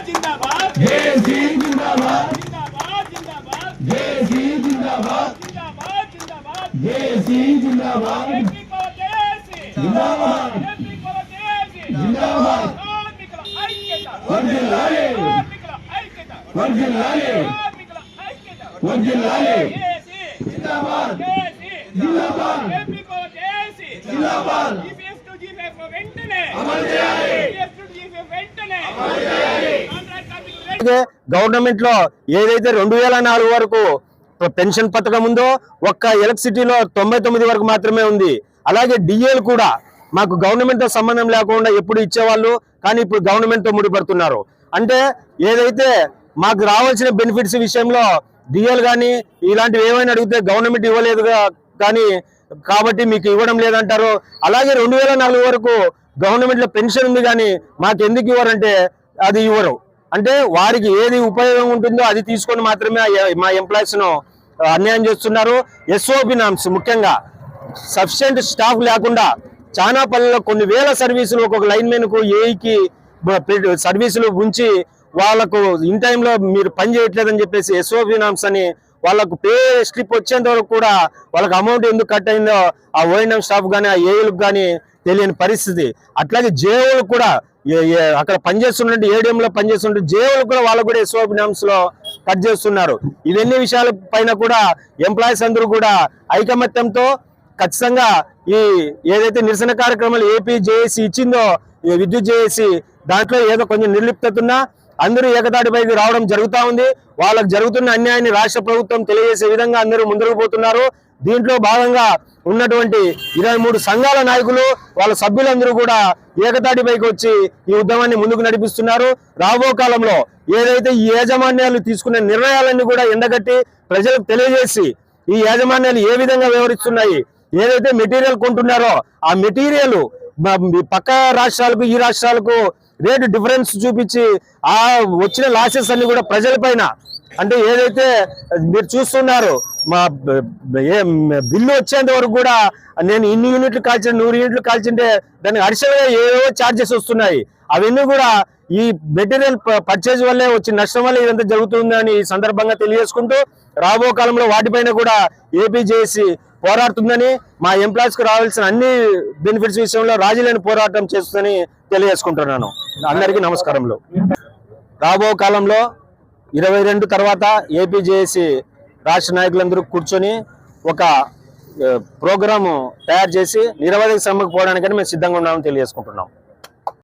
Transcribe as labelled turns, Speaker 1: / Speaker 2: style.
Speaker 1: जिंदाबाद जेसी जिंदाबाद जेसी जिंदाबाद जेसी जिंदाबाद जिंदाबाद जिंदाबाद वर्जिल्लाले वर्जिल्लाले वर्जिल्लाले जिंदाबाद जिंदाबाद जिंदाबाद
Speaker 2: గవర్నమెంట్ లో ఏదైతే 2004 వరకు పెన్షన్ పథకం ఉందో ఒక్క ఎలక్ట్రిసిటీలో 99 వరకు మాత్రమే ఉంది. అలాగే డిఏలు కూడా మాకు గవర్నమెంట్ తో సంబంధం లేకుండా ఎప్పుడు ఇచ్చేవాళ్ళు, కానీ ఇప్పుడు గవర్నమెంట్ తో ముడిపడుతున్నారు. అంటే ఏదైతే మాకు రావాల్సిన బెనిఫిట్స్ విషయంలో డిఏలు కానీ ఇలాంటివి ఏమైనా అడిగితే గవర్నమెంట్ ఇవ్వలేదు కానీ కాబట్టి మీకు ఇవ్వడం లేదంటారు. అలాగే 2004 వరకు గవర్నమెంట్ లో పెన్షన్ ఉంది కానీ మాకు ఎందుకు ఇవ్వరంటే అది ఇవ్వరు. అంటే వారికి ఏది ఉపయోగం ఉంటుందో అది తీసుకొని మాత్రమే మా ఎంప్లాయీస్ ను అన్యాయం చేస్తున్నారు. ఎస్ఓపి నామ్స్ ముఖ్యంగా సఫిషియెంట్ స్టాఫ్ లేకుండా చాలా పనుల్లో కొన్ని వేల సర్వీసులు ఒక్కొక్క లైన్ మెన్ కు ఏఈకి సర్వీసులు ఉంచి వాళ్ళకు ఇన్ టైంలో మీరు పని చేయట్లేదని చెప్పేసి ఎస్ఓపి నామ్స్ అని వాళ్ళకు పే స్లిప్ వచ్చేంత వరకు కూడా వాళ్ళకి అమౌంట్ ఎందుకు కట్ అయిందో ఆ ఓఎన్ఎం స్టాఫ్ కానీ ఆ ఏఈలకు కానీ తెలియని పరిస్థితి. అట్లాగే జేఓలు కూడా అక్కడ పనిచేస్తున్నట్టు ఏడిఎంలో పనిచేస్తుంటే జేఓలు కూడా వాళ్ళకు కూడా ఎస్ఓపి నామ్స్ లో కట్ చేస్తున్నారు. ఇవన్నీ విషయాల పైన కూడా ఎంప్లాయీస్ అందరూ కూడా ఐకమత్యంతో ఖచ్చితంగా ఈ ఏదైతే నిరసన కార్యక్రమాలు ఏపీ జేఏసీ ఇచ్చిందో విద్యుత్ జేఏసీ దాంట్లో ఏదో కొంచెం నిర్లిప్తత ఉన్నా అందరూ ఏకతాటిపైకి రావడం జరుగుతూ ఉంది. వాళ్ళకు జరుగుతున్న అన్యాయాన్ని రాష్ట్ర ప్రభుత్వం తెలియజేసే విధంగా అందరూ ముందుకు పోతున్నారు. దీంట్లో భాగంగా ఉన్నటువంటి 23 సంఘాల నాయకులు వాళ్ళ సభ్యులందరూ కూడా ఏకతాటిపైకి వచ్చి ఈ ఉద్యమాన్ని ముందుకు నడిపిస్తున్నారు. రాబో కాలంలో ఏదైతే ఈ యాజమాన్యాలు తీసుకునే నిర్ణయాలన్నీ కూడా ఎండగట్టి ప్రజలకు తెలియజేసి ఈ యాజమాన్యాలు ఏ విధంగా వ్యవహరిస్తున్నాయి, ఏదైతే మెటీరియల్ కొంటున్నారో ఆ మెటీరియల్ పక్క రాష్ట్రాలకు ఈ రాష్ట్రాలకు రేటు డిఫరెన్స్ చూపించి ఆ వచ్చిన లాసెస్ అన్ని కూడా ప్రజలపైన అంటే ఏదైతే మీరు చూస్తున్నారు మా బిల్లు వచ్చేంత వరకు కూడా నేను ఇన్ని యూనిట్లు కాల్చిన 100 యూనిట్లు కాల్చింటే దానికి అడిషనల్గా ఏవో ఛార్జెస్ వస్తున్నాయి. అవన్నీ కూడా ఈ మెటీరియల్ పర్చేజ్ వల్లే వచ్చిన నష్టం వల్ల ఇదంతా జరుగుతుందని ఈ సందర్భంగా తెలియజేసుకుంటూ రాబో కాలంలో వాటిపైన కూడా ఏపీ జేఏసీ పోరాడుతుందని మా ఎంప్లాయీస్ కు రావాల్సిన అన్ని బెనిఫిట్స్ విషయంలో రాజీలేని పోరాటం చేస్తుందని తెలియజేసుకుంటున్నాను. అందరికీ నమస్కారములు. రాబో కాలంలో 22 తర్వాత ఏపీ జేఏసీ రాష్ట్ర నాయకులందరూ కూర్చొని ఒక ప్రోగ్రాము తయారు చేసి నిరవధిక సమ్మెకు పోవడానికని మేము సిద్ధంగా ఉన్నామని తెలియజేసుకుంటున్నాం.